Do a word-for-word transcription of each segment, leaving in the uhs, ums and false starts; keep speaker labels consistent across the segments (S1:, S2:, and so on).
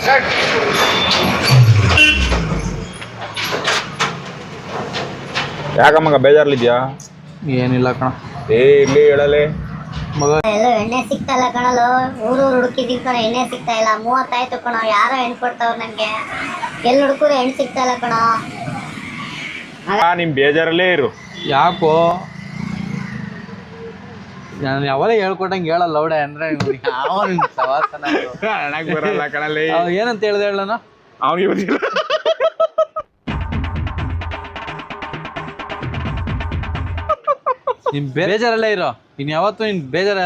S1: ಯಾಕಮ್ಮಗ ಬೇಜಾರ್ಲಿದ್ಯಾ?
S2: ಏನಿಲ್ಲ ಕಣ.
S1: ಏ ಇಲ್ಲಿ ಹೇಳಲೆ
S3: ಮಗ ಎಲ್ಲೋ ಎಣ್ಣೆ ಸಿಗ್ತಾ ಇಲ್ಲ ಕಣಲು. ಊರೂರು ಹುಡುಕಿದೀವಿ ಕಣ, ಎಣ್ಣೆ ಸಿಗ್ತಾ ಇಲ್ಲ. ಮೂವತ್ತಾಯ್ತು ಕಣ, ಯಾರೋ ಹೆಣ್ಣು ಕೊಡ್ತಾವ್ರು ನನಗೆ. ಎಲ್ಲಿ ಹುಡುಕರು ಹೆಣ್ಣು ಸಿಗ್ತಾ ಇಲ್ಲ ಕಣ.
S1: ನಿಮ್ ಬೇಜಾರಲ್ಲೇ ಇರು.
S2: ಯಾಕೋ ನಾನು ಯಾವಾಗ ಹೇಳ್ಕೊಟ್ಟಂಗೆ ಹೇಳಲ್ಲ ಲೌಡೆ ಅಂದ್ರೆ
S1: ಬರಲ್ಲ ಕಣಲ್ಲಿ.
S2: ಏನಂತ ಹೇಳ್ದೆ ಹೇಳ ನಾನು
S1: ಅವನಿಗೆ ಗೊತ್ತಿಲ್ಲ.
S2: ನಿನ್ ಬೇಜಾರಲ್ಲೇ ಇರೋ. ನೀನ್ ಯಾವತ್ತು ನಿನ್ ಬೇಜಾರ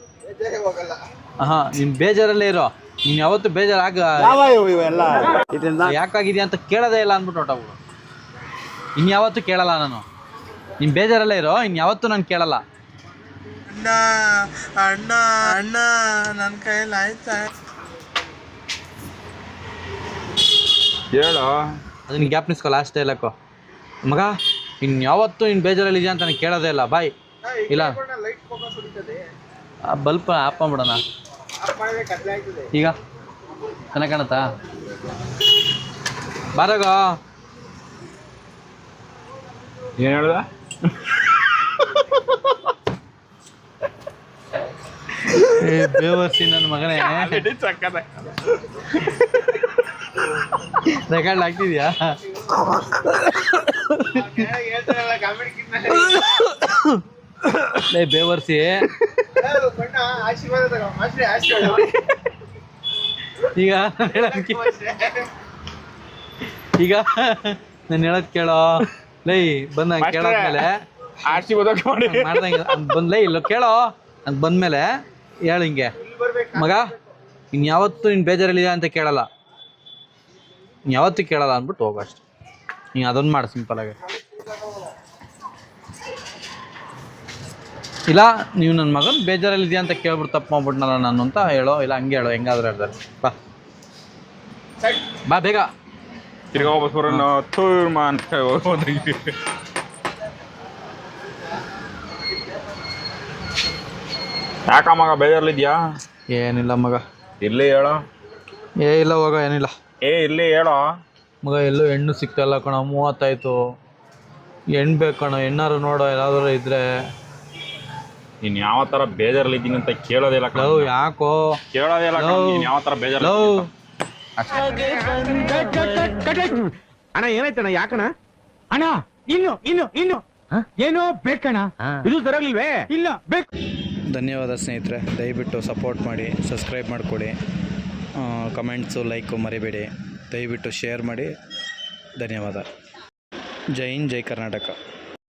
S2: ಹಾ ನಿನ್ ಬೇಜಾರಲ್ಲೇ ಇರೋ. ನೀನ್ ಯಾವತ್ತು ಬೇಜಾರಾಗ ಯಾಕಾಗಿದ್ಯಾ ಅಂತ ಕೇಳೋದೇ ಇಲ್ಲ ಅಂದ್ಬಿಟ್ಟು ಹೊಟ್ಟೋಗ್ಬಿಡು. ಇನ್ ಯಾವತ್ತು ಕೇಳಲ್ಲ ನಾನು. ನಿನ್ ಬೇಜಾರಲ್ಲೇ ಇರೋ. ಇನ್ ಯಾವತ್ತು ನಾನು ಕೇಳಲ್ಲ.
S4: ಅಣ್ಣ ಅಣ್ಣ ಅಣ್ಣ ನನ್ನ ಕೈಯಲ್ಲಿ ಆಯ್ತಾ?
S1: ಹೇಳು.
S2: ಅದನ್ನ ಗ್ಯಾಪ್ ನಿಸ್ಕೊ. ಲಾಸ್ಟ್ ಹೇಳಕ್ಕೋ ಮಗ. ಇನ್ ಯಾವತ್ತು ಇನ್ ಬೇಜಾರಲ್ಲಿ ಇದೆಯಾ ಅಂತ ನನಗೆ ಕೇಳೋದೇ ಇಲ್ಲ. ಬಾಯ್ ಇಲ್ಲ ಬಲ್ಪ್ ಆಫ್ ಮಾಡ್ಬಿಡೋಣ ಈಗ. ಚೆನ್ನಾಗಿ ಕಾಣತ್ತಾ? ಬಾರಾಗ.
S1: ಏನ್ ಹೇಳ್ದ?
S2: ಏ ಬೇವರ್ಸಿ ನನ್ನ ಮಗನೇ. ರೆಕಾರ್ಡ್ ಆಗ್ತಿದ್ಯಾ? ಲೇ ಬೇವರ್ಸಿ. ಈಗ ಈಗ ನಾನು ಹೇಳೋದ್ ಕೇಳೋ. ಲೈ ಬಂದ ಕೇಳಾದ್ಮೇಲೆ ಮಾಡ್ದಂಗೆ ಬಂದ್ಲೇ ಇಲ್ಲ ಕೇಳೋ. ಅಂತ ಬಂದ್ಮೇಲೆ ಹೇಳು ಹಿಂಗೆ ಮಗ. ಇನ್ ಯಾವತ್ತು ನಿನ್ ಬೇಜಾರಲ್ಲಿದೆ ಅಂತ ಕೇಳಲ್ಲ. ಇನ್ ಯಾವತ್ತೂ ಕೇಳಲ್ಲ ಅಂದ್ಬಿಟ್ಟು ಹೋಗೋ ಅಷ್ಟೆ. ನೀನು ಅದೊಂದು ಮಾಡು ಸಿಂಪಲ್ ಆಗಿ. ಇಲ್ಲ ನೀವು ನನ್ನ ಮಗನ ಬೇಜಾರಲ್ಲಿದೆಯಾ ಅಂತ ಕೇಳ್ಬಿಟ್ಟು ತಪ್ಪು ಮಾಡ್ಬಿಟ್ನಲ್ಲ ನಾನು ಅಂತ ಹೇಳೋ. ಇಲ್ಲ ಹಂಗೆ ಹೇಳೋ. ಹೆಂಗಾದ್ರೂ ಹೇಳ್ತಾರೆ. ಬಾ ಬಾ ಬೇಗ.
S1: ತಿರ್ಗಾ ವಾಪಸ್ ಬರೋಣ. ತೂರ್ಮ ಅಂತ ಯಾಕ ಮಗ ಬೇಜಾರ್ಲಿದ್ಯಾ?
S2: ಏನಿಲ್ಲ ಮಗ.
S1: ಇರ್ಲಿ ಹೇಳೋ.
S2: ಏ ಇಲ್ಲ ಹೋಗ. ಏನಿಲ್ಲ.
S1: ಏ ಇರ್ಲಿ ಹೇಳೋ
S2: ಮಗ. ಎಲ್ಲೂ ಹೆಣ್ಣು ಸಿಗ್ತಾಯಿಲ್ಲ ಕಣ. ಮೂವತ್ತಾಯ್ತು. ಹೆಣ್ಣು ಬೇಕು ಕಣ. ಹೆಣ್ಣಾರು ನೋಡೋ ಎಲ್ಲಾದ್ರೂ ಇದ್ರೆ.
S1: ನೀನು ಯಾವ ಥರ ಬೇಜಾರಲ್ಲಿದ್ದೀನಿ ಅಂತ ಕೇಳೋದಿಲ್ಲ ಕಣ.
S2: ಲವ್ ಯಾಕೋ
S1: ಕೇಳೋದಿಲ್ಲ ಕಣ. ನೀನು ಯಾವ ಥರ ಬೇಜಾರ
S5: ಅಣ್ಣ ಏನಾಯ್ತಣ್ಣ? ಯಾಕಣ್ಣ? ಅಣ್ಣ ಇನ್ನು ಇನ್ನು ಇನ್ನು ಏನೋ ಬೇಕಣ್ಣ. ಇದು ಸರಿಯಾಗಿಲ್ವೇ? ಇಲ್ಲ ಬೇಕು.
S2: ಧನ್ಯವಾದ ಸ್ನೇಹಿತರೆ. ದಯವಿಟ್ಟು ಸಪೋರ್ಟ್ ಮಾಡಿ, ಸಬ್ಸ್ಕ್ರೈಬ್ ಮಾಡಿಕೊಡಿ. ಕಮೆಂಟ್ಸು ಲೈಕು ಮರಿಬೇಡಿ. ದಯವಿಟ್ಟು ಶೇರ್ ಮಾಡಿ. ಧನ್ಯವಾದ. ಜೈ ಹಿಂದ್, ಜೈ ಕರ್ನಾಟಕ.